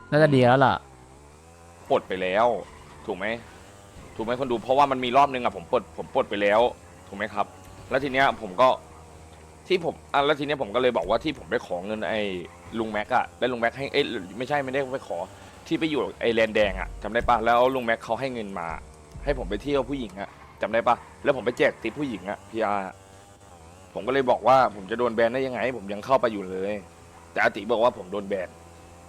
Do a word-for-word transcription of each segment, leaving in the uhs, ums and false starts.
น่าจะดีแล้วล่ะปลดไปแล้วถูกไหมถูกไหมคนดูเพราะว่ามันมีรอบนึงอะผมปลดผมปลดไปแล้วถูกไหมครับแล้วทีเนี้ยผมก็ที่ผมอ่ะแล้วทีเนี้ยผมก็เลยบอกว่าที่ผมไปขอเงินไอ้ลุงแม็กอะแล้วลุงแม็กให้เอ้ยไม่ใช่ไม่ได้ไปขอที่ไปอยู่ไอ้แลนแดงอะจำได้ปะแล้วลุงแม็กเขาให้เงินมาให้ผมไปเที่ยวผู้หญิงอะจำได้ปะแล้วผมไปแจกติปผู้หญิงอะพีอาร์ผมก็เลยบอกว่าผมจะโดนแบนได้ยังไงผมยังเข้าไปอยู่เลยแต่อาติบอกว่าผมโดนแบน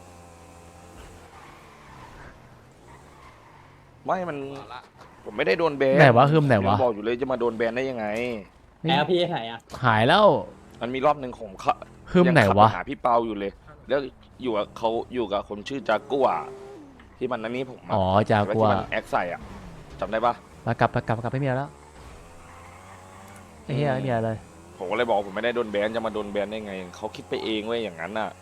ไม่มันผมไม่ได้โดนแบนไหนวะคือไหนวะยังบอกอยู่เลยจะมาโดนแบนได้ยังไงไหนอะพี่ไหนอะหายแล้วมันมีรอบหนึ่งผมเขาฮึมยังไหนขับวะปหาพี่เปาอยู่เลย แล้วอยู่กับเขาอยู่กับคนชื่อจากัวที่มันอันนี้ผมะอ๋อจากัวที่มันแอคใส่อะจำได้ปะมากลับมากลับมากลับไม่มีแล้วไอ้เหี้ยไม่มีอะไรเลยผมก็เลยบอกว่าผมไม่ได้โดนแบนจะมาโดนแบนได้ไงเขาคิดไปเองเว้ยอย่างนั้นน่ะ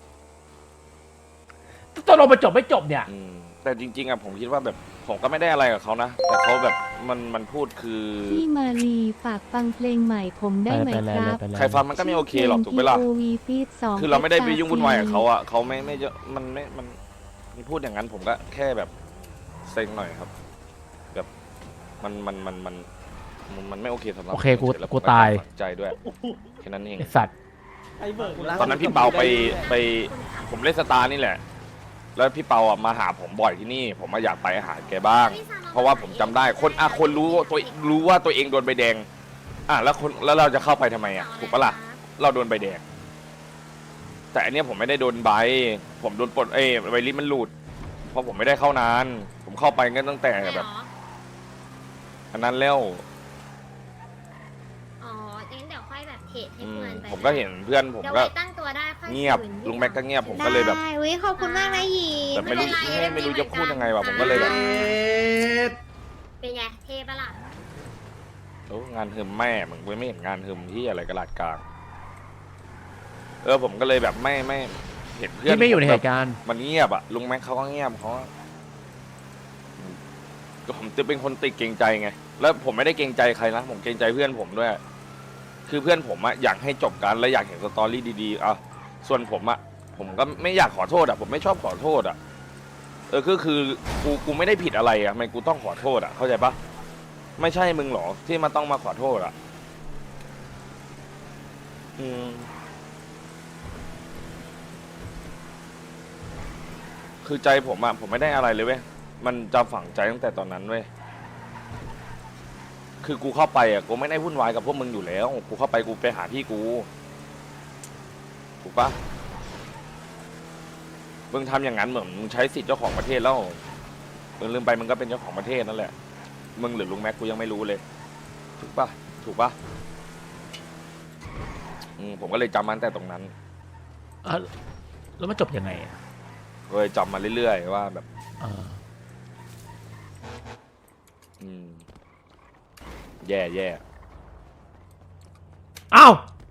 ตกลงไปจบไม่จบเนี่ยอืมแต่จริงๆอะผมคิดว่าแบบผมก็ไม่ได้อะไรกับเขานะแต่เขาแบบมันมันพูดคือพี่มารีฝากฟังเพลงใหม่ผมได้ไหมไปเลยครับไปเลยใครฟังมันก็ไม่โอเคหรอกถูกไหมล่ะโอวีฟีดสองคือเราไม่ได้ไปยุ่งวุ่นวายกับเขาอ่ะเขาไม่ไม่เยอะมันไม่มันมีพูดอย่างนั้นผมก็แค่แบบเซ็งหน่อยครับ แบบมันมันมันมันมันมันไม่โอเคสำหรับโอเคกูผมฉยๆแล้วกูผมตายฝังใจด้วยแค่นั้นเองไอ้สัตว์ไอ้เบิร์กตอนนั้นพี่เปาไปไปผมเล่นสตาร์นี่แหละ แล้วพี่เปาอ่ะมาหาผมบ่อยที่นี่ ผมมาอยากไปหาแกบ้าง เพราะว่าผมจำได้คนอ่ะคนรู้ตัวรู้ว่าตัวเองโดนใบแดงอ่ะแล้วคนแล้วเราจะเข้าไปทำไมอ่ะถูกปะล่ะเราโดนใบแดง แต่อันเนี้ยผมไม่ได้โดนใบผมโดนปลดเอ้ยใบลิสต์มันหลุด เพราะผมไม่ได้เข้านาน ผมเข้าไปก็ตั้งแต่แบบอันนั้นแล้วอ๋องั้นเดี๋ยวค่อยแบบเทรดให้อืมเพื่อนไปผมก็เห็นเพื่อนผมเดี๋ยวก็ไว้ตั้งตัวได้ค่อยเงียบคืนลุงแม็กก็เงียบผมก็เลยแบบได้อุ้ยขอบคุณมากนะหยีแบบไม่รู้เป็นรไม่รู้จะพูดยังไงวะผมก็เลยแบบเป็นไงเทปะล่ะโอ้งานฮึมแม่มึงไม่เห็นงานฮึมที่อะไรกระลาดกลางเออผมก็เลยแบบไม่ไม่เห็นเพื่อนที่ไม่อยู่ในผเหแบบตุการณ์มันเงียบอะลุงแม็กเขาก็เงียบเขาก็ผมจะเป็นคนติดเกรงใจไง แล้วผมไม่ได้เกรงใจใครนะผมเกรงใจเพื่อนผมด้วย คือเพื่อนผมอะอยากให้จบกันและอยากเห็นสตอรี่ดีๆอ่ะส่วนผมอะผมก็ไม่อยากขอโทษอะผมไม่ชอบขอโทษอะเออก็คือกูกูไม่ได้ผิดอะไรอะทำไมกูต้องขอโทษอะเข้าใจปะไม่ใช่มึงหรอที่มาต้องมาขอโทษอะอืมคือใจผมอะผมไม่ได้อะไรเลยเว้ยมันจะฝังใจตั้งแต่ตอนนั้นเว้ยคือกูเข้าไปอะกูไม่ได้วุ่นวายกับพวกมึงอยู่แล้วกูเข้าไปกูไปหาพี่กูถูกปะมึงทำอย่างนั้นเหมือนมึงใช้สิทธิ์เจ้าของประเทศแล้วมึงลืมไปมึงก็เป็นเจ้าของประเทศนั่นแหละมึงหรือลุงแม็กกูยังไม่รู้เลยถูกปะถูกปะอืมผมก็เลยจำมันแต่ตรงนั้นอ่ะแล้วมันจบยังไงอะเลยจำมาเรื่อยๆว่าแบบเอออืมแย่แย่อ้าว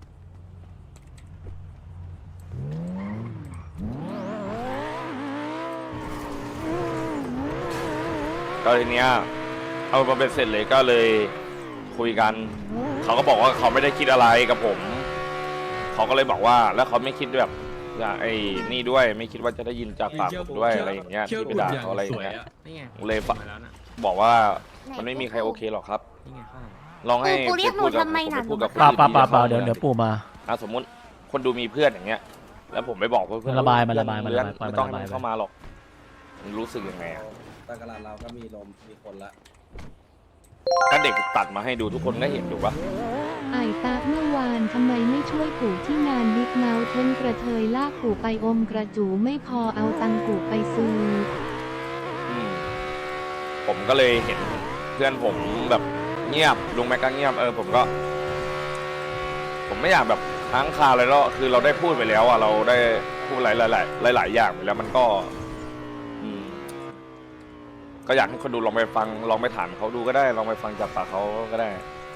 ก็ทีเนี้ยเอามาเป็นเสร็จเลยก็เลยคุยกัน เขาก็บอกว่าเขาไม่ได้คิดอะไรกับผม เขาก็เลยบอกว่าแล้วเขาไม่คิดแบบว่าไอ้นี่ด้วยไม่คิดว่าจะได้ยินจากปากผมด้วยอะไรอย่างเงี้ยที่ไปด่าเขาอะไรอย่างเงี้ยนี่ไงเลยฝบอกว่ามันไม่มีใครโอเคหรอกครับนี่ไงข้างลองให้กูเรียกหนูพูดกับทำไมผมน่ะพูดกับคนเปล่าที่เปล่าเปล่าเปล่าดีเดี๋ยวเดี๋ยวปู่มาอ่ะสมมติคนดูมีเพื่อนอย่างเงี้ย แล้วผมไปบอกเพื่อนมันระบายมันระบายเพื่อมันระบายไม่ต้องให้มันระบายมันเข้ามาหรอกมันรู้สึกยังไงอะตะกร้าเราก็มีลม มีคนละถ้าเด็กตัดมาให้ดูทุกคนก็เห็นถูกปะไอ้ตาเมื่อวานทำไมไม่ช่วยปู่ที่งานบิ๊กเมาเทนกระเทยลากปู่ไปอมกระจูไม่พอเอาตังค์ปู่ไปซื้ออืมผมก็เลยเห็นเพื่อนผมแบบเงียบลุงแม็กก็เงียบเออผมก็ ผมไม่อยากแบบค้างคาอะไรแล้วคือเราได้พูดไปแล้วอ่ะเราได้พูดหลายหลายหลายหลายๆอย่างไปแล้วมันก็ อืม ก็อยากให้คนดูลองไปฟังลองไปถามเขาดูก็ได้ ลองไปฟังจากปากเขาก็ได้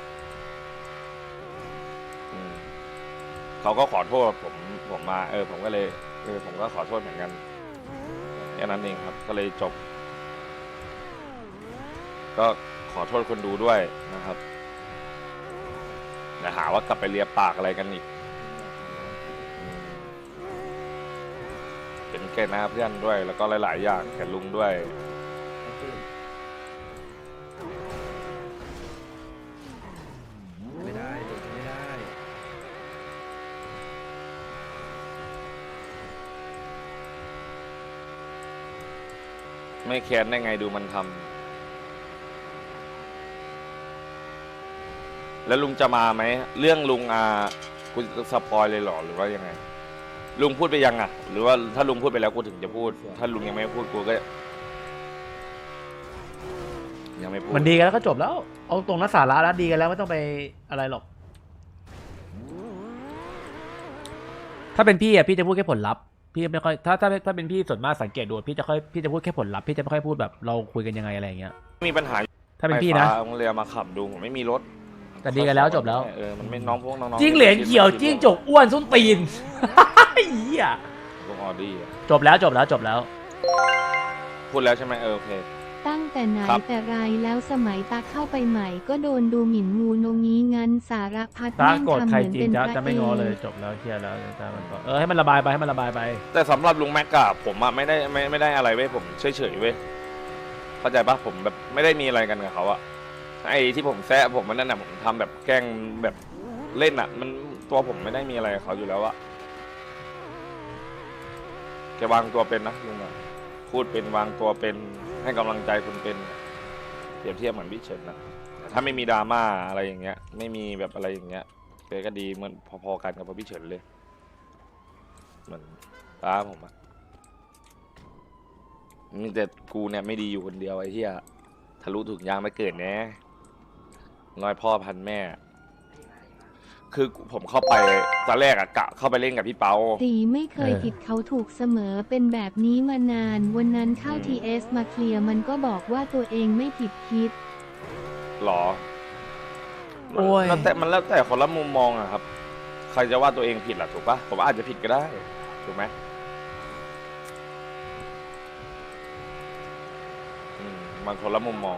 อืมเขาก็ขอโทษผมผมมา เออ ผมก็เลยเออผมก็ขอโทษเหมือนกันแค่นั้นเองครับ ก็เลยจบ ก็ขอโทษคนดูด้วยนะครับอย่าหาว่ากลับไปเลียปากอะไรกันอีกอืมเป็นคแก่หน้าเพื่อนด้วย แล้วก็หลาย ๆ อย่างแก่ลุงด้วยไม่ได้หลุดไม่ได้ไม่แค้นได้ไงดูมันทำแล้วลุงจะมาไหมเรื่องลุงอ่ะกูสปอยเลยเหรอหรือว่ายังไง ลุงพูดไปยังอ่ะ หรือว่าถ้าลุงพูดไปแล้วกูถึงจะพูด ถ้าลุงยังไม่พูดกูก็ยังไม่พูดมันดีกันแล้วก็จบแล้ว เอาตรงนักสาระแล้วดีกันแล้วไม่ต้องไปอะไรหรอก ถ้าเป็นพี่อ่ะพี่จะพูดแค่ผลลัพธ์พี่ไม่ค่อยถ้าถ้าถ้าเป็นพี่ส่วนมากสังเกตดูพี่จะค่อยพี่จะพูดแค่ผลลัพธ์พี่จะไม่ค่อยพูดแบบเราคุยกันยังไงอะไรอย่างเงี้ยมีปัญหาถ้าเป็นพี่นะไฟฟ้าโรงเรียนมาขับดูผมไม่มีรถแต่ดีกันแล้วจบแล้วเออมันไม่น้องพวกน้องๆจิ้งเหลนเขียวจิ้งจกอ้วนส้นตีน เหี้ยพวกออดี้อะจบแล้วจบแล้วจบแล้วพูดแล้วใช่ไหมเออโอเคตั้งแต่ไหนครับแต่ไรแล้วสมัยตาเข้าไปใหม่ก็โดนดูหมิ่นงูโนงี้งั้นสารพัดตาแม่งโกรธทำใครเหมือนจริเป็งนจะพระจะไม่เอง้อเลยกจบแล้วเคลียร์แล้วตามันก็เออให้มันระบายไปให้มันระบายไปแต่สำหรับลุงแม็กกะผมอะไม่ได้ไม่ไม่ได้อะไรเว้ยผมเฉยเฉยๆเว้ยเข้าใจปะผมแบบไม่ได้มีอะไรกันกับเขาอะไอ้ที่ผมแซะผมมันนั่นน่ะผมทำแบบแกล้งแบบเล่นอะมันตัวผมไม่ได้มีอะไรกับเขาอยู่แล้วอะแกวางตัวเป็นนะลุงอะพูดเป็นวางตัวเป็นให้กำลังใจคุณเป็นเปรียบเทียบเหมือนพี่เฉินนะแต่ถ้าไม่มีดราม่าอะไรอย่างเงี้ย ไม่มีแบบอะไรอย่างเงี้ยแกก็ดีเหมือนพอๆกันกับพี่เฉินเลยเหมือนป้าผมอะมีแต่กูเนี่ยไม่ดีอยู่คนเดียวไอ้เหี้ยทะลุถุงยางไม่เกิดแน่ร้อยพ่อพันแม่ คือผมเข้าไปตอนแรกอะกะเข้าไปเล่นกับพี่เปาตีไม่เคยเออผิดเขาถูกเสมอเป็นแบบนี้มานาน วันนั้นเข้าอืมทีเอสมาเคลียร์มันก็บอกว่าตัวเองไม่ผิดคิดหรอโอ้ยมันแล้วแต่มันแล้วแต่คนละมุมมองอะครับ ใครจะว่าตัวเองผิดล่ะถูกปะผมอาจจะผิดก็ได้ ถูกไหมอืมมันคนละมุมมอง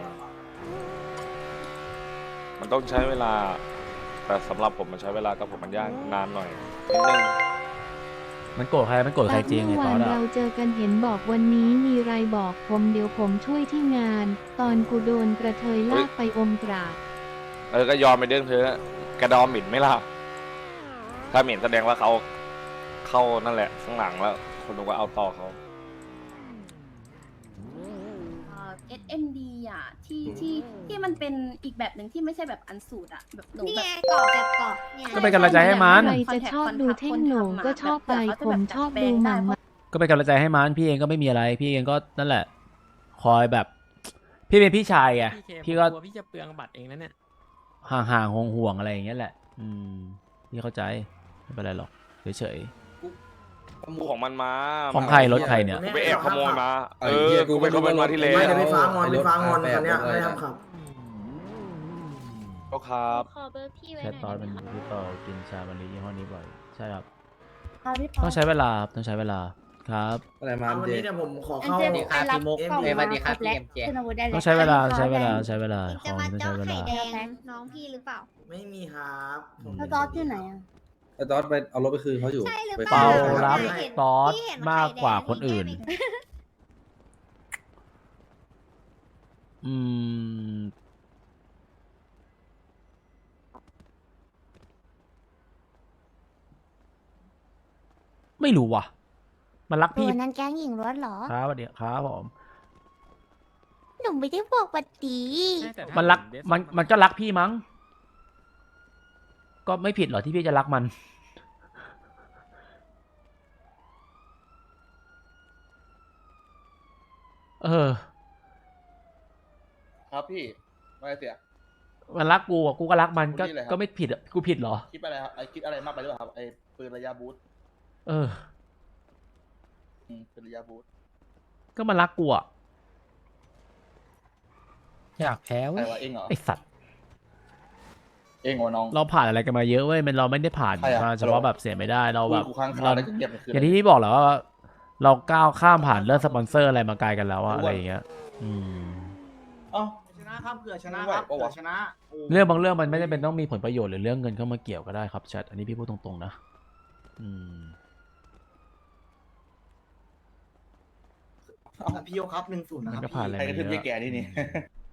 มันต้องใช้เวลา แต่สำหรับผมมันใช้เวลากับผมมันยากนานหน่อยนิดนึงมันโกรธใครมันโกรธใครจริงไอ้เมื่อตอวานนอะเราเจอกันเห็นบอกวันนี้มีไรบอกผมเดี๋ยวผมช่วยที่งาน ตอนกูโดนกระเทยลากไปอมกราบเออก็ยอมไปเรื่องเธอกระดอมหมิ่นไหม่ล่ะ ถ้าหมิ่นแสดงว่าเขาเข้านั่นแหละข้างหลังแล้ว คนดูก็เอาต่อเขาเอสเอ็มดีอ่ะที่ที่ที่มันเป็นอีกแบบหนึ่งที่ไม่ใช่แบบอันสูตรอ่ะแบบหนูนี่แบไงบกรอบแบบกรอบเนี่ยก็เป็นกำลังใจให้มันใครจะชอบดูเท่งโหน่งก็ชอบไปผมชอบดูหม่ำมาก็เป็นกำลังใจให้มันพี่เองก็ไม่มีอะไร พี่เองก็นั่นแหละ คอยแบบ พี่เป็นพี่ชายไง พี่ก็กลัวพี่จะเปลืองบัตรเองนะเนี่ยห่างๆห่วงๆอะไรอย่างเงี้ยแหละ อืมพี่เข้าใจไม่เป็นไรหรอกเฉยขโมยของมันมาๆของใครรถใครเนี่ยกูไปแอบขโมยมาไอ้เออเหี้ยกูไปขโมยมาที่เลไม่ยเดี๋ยวไปฟ้างอนไปฟ้างอนไอ้รถคันเนี้ยไอ้รถไม่ทำขับก็ครับขอเบอร์พี่ไว้แค่หน่อยตอนมันได้ไหมคะพี่เปากินชาบันลียี่ห้อนี้บ่อยใช่ครับค่ะพี่ปต้องใช้เวลาครับต้องใช้เวลาครับอะไรมาวันเจนี้เนี่ยผมขออันเข้าเจไปรับกล่องเอ้ยมาสวัสดีคครัรบบแล้วพี่เอ็มเจขึ้นอาวุธได้เลยต้องใช้เวลาใช้เวลาใช้เวลาคุณขจะองมานี้ต้องเจ้าใช้เวไข่ลาแดงน้องพี่หรือเปล่าไม่มีครับผมแล้วจอร์จอยู่ไหนอ่ะไอ้ตอสไปเอารถไปคืนเขาอยู่ใช่หรือไปเปล่าเปารักเห็นตอสพี่เห็นมากกว่าไข่แดงคนอื่นมีแก้มอืมไม่รู้ว่ะ มันรักตัพี่วนั้นแก๊งหญิงล้วนเหรอครับสวัสดีครับผมหนูไม่ได้บอกว่าดีมันรักมันมันก็รักพี่มั้ง ก็ไม่ผิดหรอกที่พี่จะรักมัน เออครับพี่ไม่เสียมันรักกูอ่ะกูก็รักมันก็คุณนี่แหละครับก็ไม่ผิดอ่ะกูผิดเหรอคิดอะไรครับไอคิดอะไรมากไปหรือเปล่าครับไอปืนระยะบูทเอออืมปืนระยะบูทก็มันรักกูอ่ะอยากแพ้ใครเว้ยวะเองเหรอไอสัตว์เองเหรอน้องเราผ่านอะไรกันมาเยอะเว้ยมันเราไม่ได้ผ่านใครอะมาเฉพาะแบบเสียไม่ได้เราแบบกูค้างคาเราแล้วก็เงียบไปคืนอย่างที่พี่บอกแหล้วว่า เราก้าวข้ามผ่านเรื่องสปอนเซอร์อะไรมาไกลกันแล้วอะอะไรอย่างเงี้ย อืมเอ้าชนะครับเผื่อชนะไม่ไหวครับปะวะเผื่อชนะโเรื่องบางเรื่องมันไม่ได้เป็นต้องมีผลประโยชน์หรือเรื่องเงินเข้ามาเกี่ยวก็ได้ครับแชทอันนี้พี่พูดตรงๆนะ อืมพี่โยครับหนึ่งศูนย์นะมันครับก็ผ่านอะไรใครกมาระเยทืบอะเยี่ยแก่นี่นี่